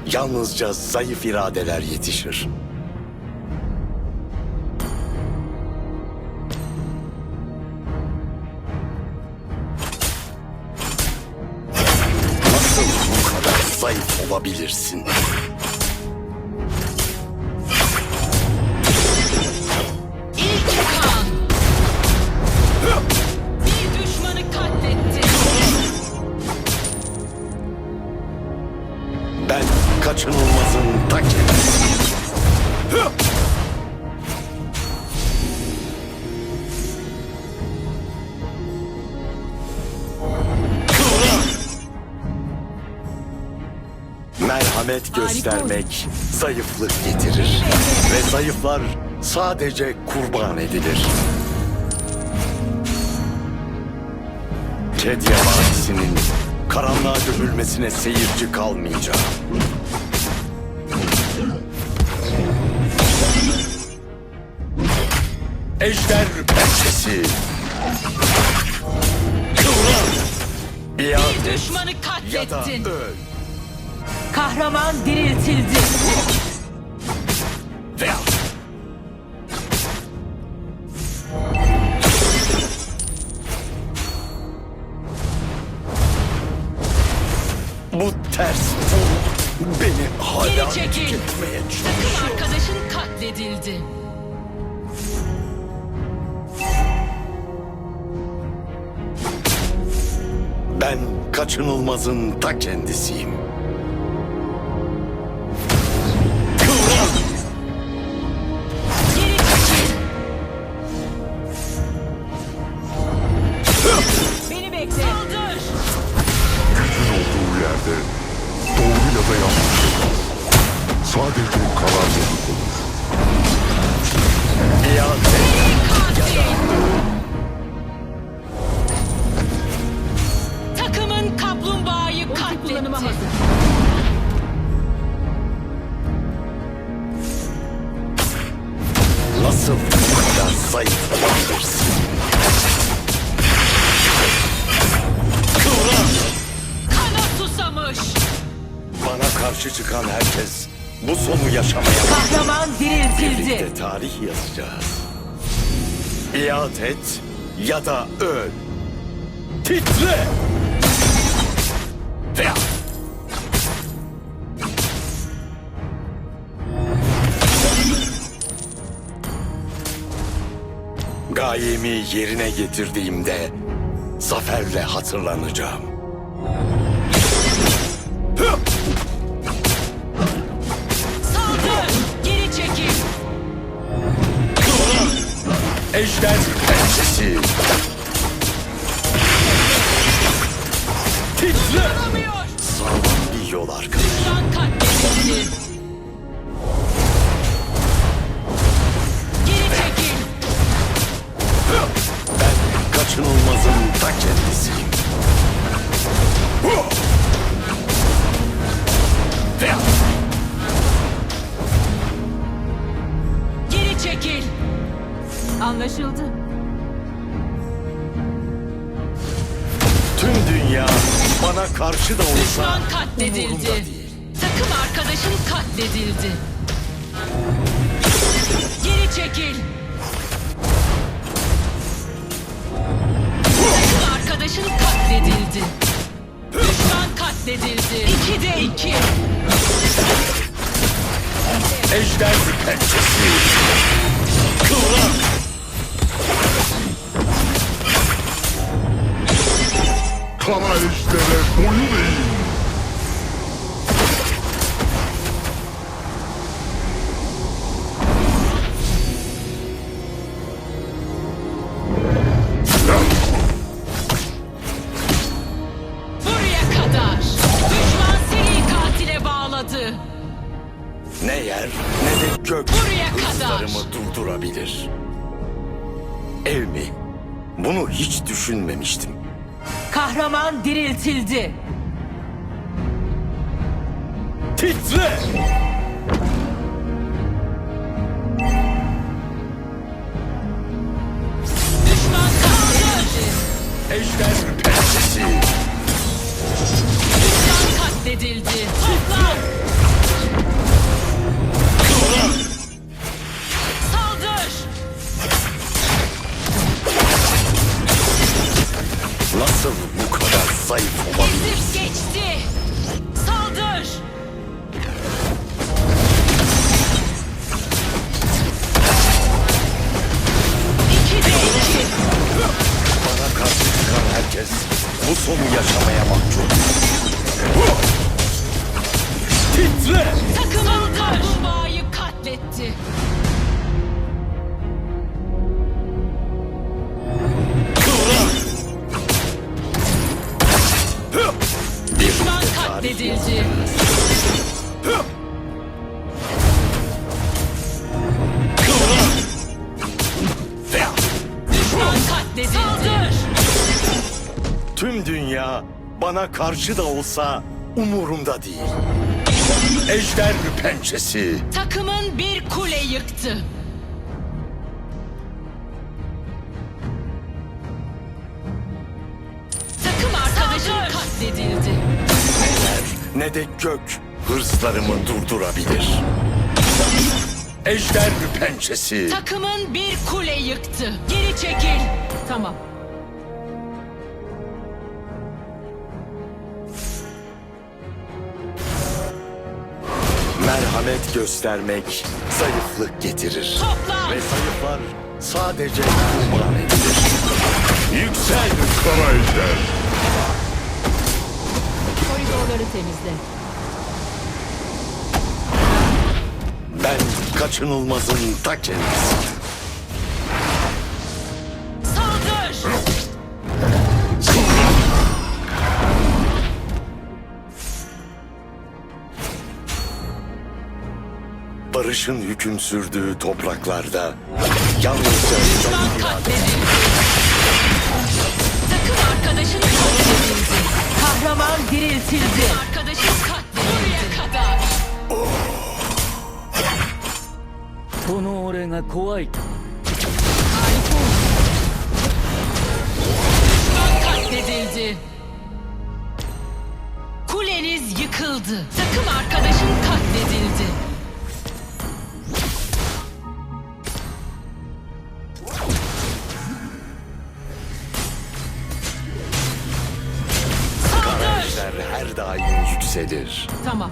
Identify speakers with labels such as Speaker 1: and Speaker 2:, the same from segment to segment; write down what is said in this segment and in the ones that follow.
Speaker 1: yalnızca zayıf iradeler yetişir. Nasıl bu kadar zayıf olabilirsin? Ben kaçınılmazın ta kendisiyim. Merhamet göstermek zayıflık getirir. Ve zayıflar sadece kurban edilir. Kedya Vadisi'nin karanlığa gömülmesine seyirci kalmayacağım. Ejder pençesi. Kıvran.
Speaker 2: Bir düşmanı
Speaker 1: Ya da
Speaker 2: katlettin.
Speaker 1: öl.
Speaker 2: Kahraman diriltildi.
Speaker 1: Veya bu ters bu beni hala
Speaker 2: Geri çekil.
Speaker 1: tüketmeye
Speaker 2: Takım
Speaker 1: çalışıyor.
Speaker 2: arkadaşın katledildi.
Speaker 1: Ben kaçınılmazın ta kendisiyim. Kıvran.
Speaker 2: Geri çekil. Beni bekle. Saldır.
Speaker 3: Gücün olduğu yerde doğruyla da yanlış olmaz. Sadece kararlılık olur.
Speaker 1: İade.
Speaker 2: Takımın kaplumbağayı katletti.
Speaker 1: Nasıl bu kadar zayıf olabilirsin? Kıvran.
Speaker 2: Kana susamış.
Speaker 1: Bana karşı çıkan herkes bu sonu yaşamaya bak.
Speaker 2: Kahraman diriltildi.
Speaker 1: Birlikte tarih yazacağız. İade et ya da öl. Titre! Veya gayemi yerine getirdiğimde zaferle hatırlanacağım.
Speaker 2: Saldır. Geri çekil.
Speaker 1: Ejder pençesi. Titre!
Speaker 2: Duramıyor.
Speaker 1: Sağlam bir yol arkadaş.
Speaker 2: Düşman katledildi. Geri çekil.
Speaker 1: Ben kaçınılmazın ta kendisiyim. Veya
Speaker 2: Geri çekil. Anlaşıldı.
Speaker 1: tüm dünya bana karşı da olsa
Speaker 2: Düşman
Speaker 1: umurumda
Speaker 2: katledildi.
Speaker 1: değil.
Speaker 2: Takım arkadaşın katledildi. Geri çekil. Takım arkadaşın katledildi. Düşman katledildi. 2'de 2.
Speaker 1: Ejder pençesi. Kıvran.
Speaker 3: Kara ejdere boyun eğin.
Speaker 2: Buraya kadar. Düşman seri katile bağladı.
Speaker 1: Ne yer ne de gök
Speaker 2: Buraya kadar.
Speaker 1: hırslarımı durdurabilir. Ev mi? Bunu hiç düşünmemiştim.
Speaker 2: Kahraman diriltildi.
Speaker 1: Titre!
Speaker 2: Düşman katledildi.
Speaker 1: Ejder pençesi.
Speaker 2: Düşman katledildi. Toplan.
Speaker 1: Titre!
Speaker 2: Takımın kaplumbağayı katletti. Düşman katledildi. Düşman katledildi. Saldır!
Speaker 1: Tüm dünya bana karşı da olsa umurumda değil. Ejder pençesi.
Speaker 2: Takımın bir kule yıktı. Takım arkadaşın katledildi.
Speaker 1: Ne de gök hırslarımı durdurabilir. Ejder pençesi.
Speaker 2: Takımın bir kule yıktı. Geri çekil. Tamam.
Speaker 1: Merhamet göstermek zayıflık getirir.
Speaker 2: Toplan.
Speaker 1: Ve zayıflar sadece kurban edilir. Yüksel!
Speaker 3: Kara ejder.
Speaker 2: Koridorları temizle.
Speaker 1: Ben kaçınılmazın ta kendisi.
Speaker 2: Saldır!
Speaker 1: Barışın hüküm sürdüğü topraklarda yalnızca
Speaker 2: Düşman
Speaker 1: zayıflar.
Speaker 2: katledildi. Takım arkadaşın katledildi. Kahraman diriltildi. Arkadaşın katledildi. Buraya kadar.
Speaker 4: この俺が怖いと
Speaker 2: Düşman katledildi. Kuleniz yıkıldı. Takım arkadaşın katledildi. Saldır!
Speaker 1: Ejder her daim yükselir.
Speaker 2: Tamam.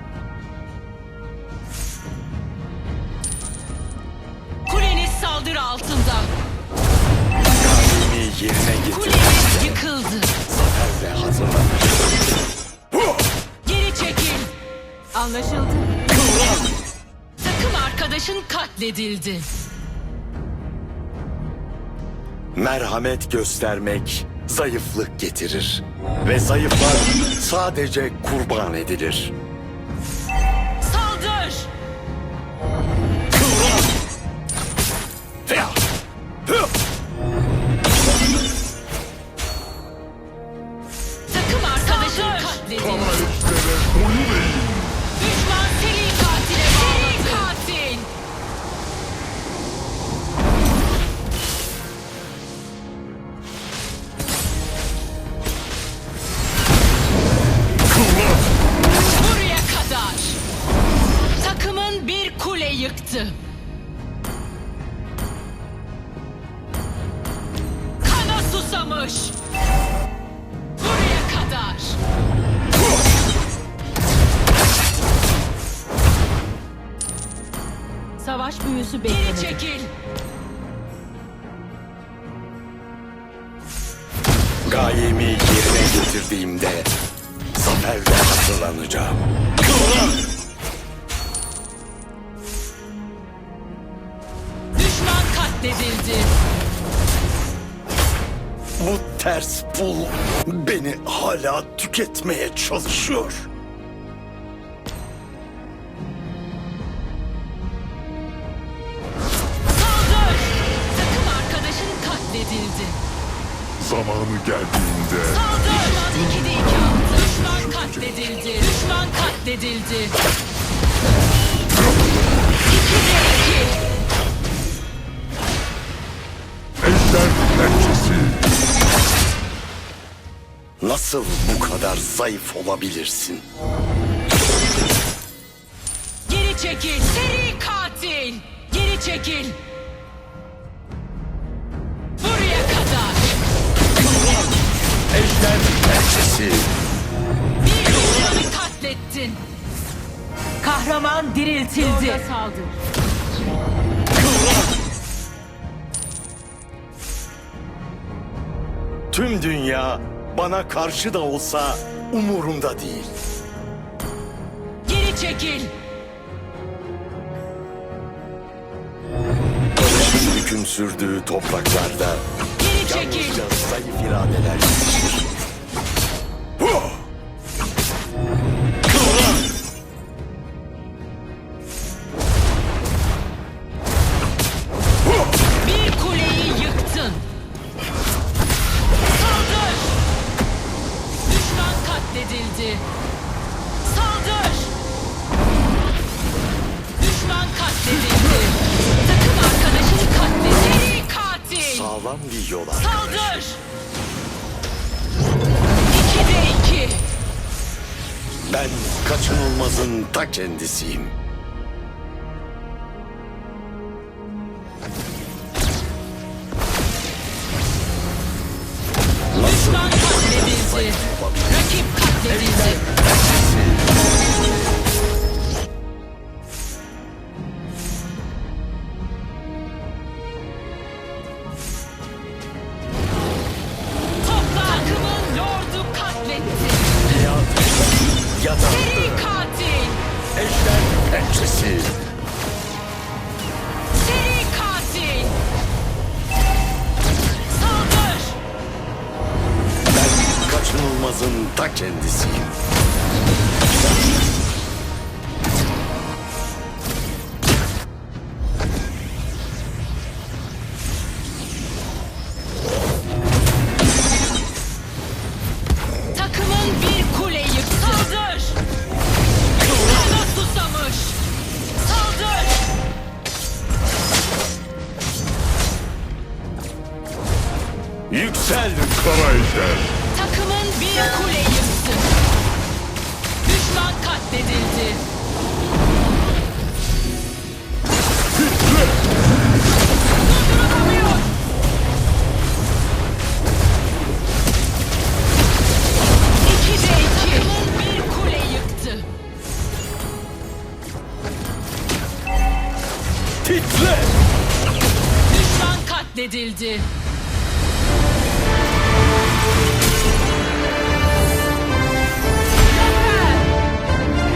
Speaker 2: Kuleniz saldırı altında.
Speaker 1: Kalbimi yerine getir.
Speaker 2: Kuleniz yıkıldı.
Speaker 1: Zaferle hazırlanır.
Speaker 2: Geri çekil. Anlaşıldı. Takım arkadaşın katledildi.
Speaker 1: Merhamet göstermek zayıflık getirir. Ve zayıflar sadece kurban edilir.
Speaker 2: Saldır! Takım arkadaşın katledildi.
Speaker 3: Kara ejdere boyun eğin.
Speaker 2: Düşman seri katile bağladı. Seri katil!
Speaker 3: Kıvrat.
Speaker 2: Buraya kadar. Takımın bir kule yıktı. Kana susamış. Buraya kadar. Savaş büyüsü beklemedi. Geri çekil.
Speaker 1: Gayemi yerine getirdiğimde zaferle hazırlanacağım.
Speaker 2: Düşman katledildi.
Speaker 1: Bu ters pul beni hala tüketmeye çalışıyor.
Speaker 2: Saldır! Takım arkadaşın katledildi.
Speaker 3: Zamanı geldiğinde
Speaker 2: Saldır! Düşman 2'de 2 attı. Düşman katledildi. Düşman katledildi. 2'de 2.
Speaker 3: ejder pençesi.
Speaker 1: Nasıl bu kadar zayıf olabilirsin?
Speaker 2: Geri çekil. Seri katil. Geri çekil. Buraya kadar.
Speaker 1: Ejder pençesi.
Speaker 2: Bir düşmanı katlettin. Kahraman diriltildi. Orada saldır.
Speaker 1: Tüm dünya bana karşı da olsa umurumda değil.
Speaker 2: Geri Geri çekil.
Speaker 1: Barışın hüküm sürdüğü topraklarda
Speaker 2: Geri çekil.
Speaker 1: yalnızca zayıf iradeler yetişir. Kıvran!
Speaker 2: Bir kuleyi yıktın. Saldır. Düşman katledildi. Saldır. Düşman katledildi. Takım arkadaşını katledildi. Seri katil.
Speaker 1: Sağlam bir yol arkadaş.
Speaker 2: Saldır. 2'de 2.
Speaker 1: Ben kaçınılmazın ta kendisiyim.
Speaker 2: Düşman katledildi. Rakip katledildi. Topla. Takımın lordu katletti.
Speaker 1: Ya da
Speaker 2: Seri katil.
Speaker 1: ejder pençesi.
Speaker 2: Seri katil. Saldır.
Speaker 1: Ben kaçınılmazın ta kendisiyim.
Speaker 2: Takımın bir kule yıktı. Saldır. Kana susamış. Saldır.
Speaker 1: Yüksel!
Speaker 3: Kara ejder.
Speaker 2: Takımın bir kule yıktı. Düşman katledildi. Durdurulamıyor. İkide iki. Takımın bir kule yıktı.
Speaker 1: Titre!
Speaker 2: Düşman katledildi.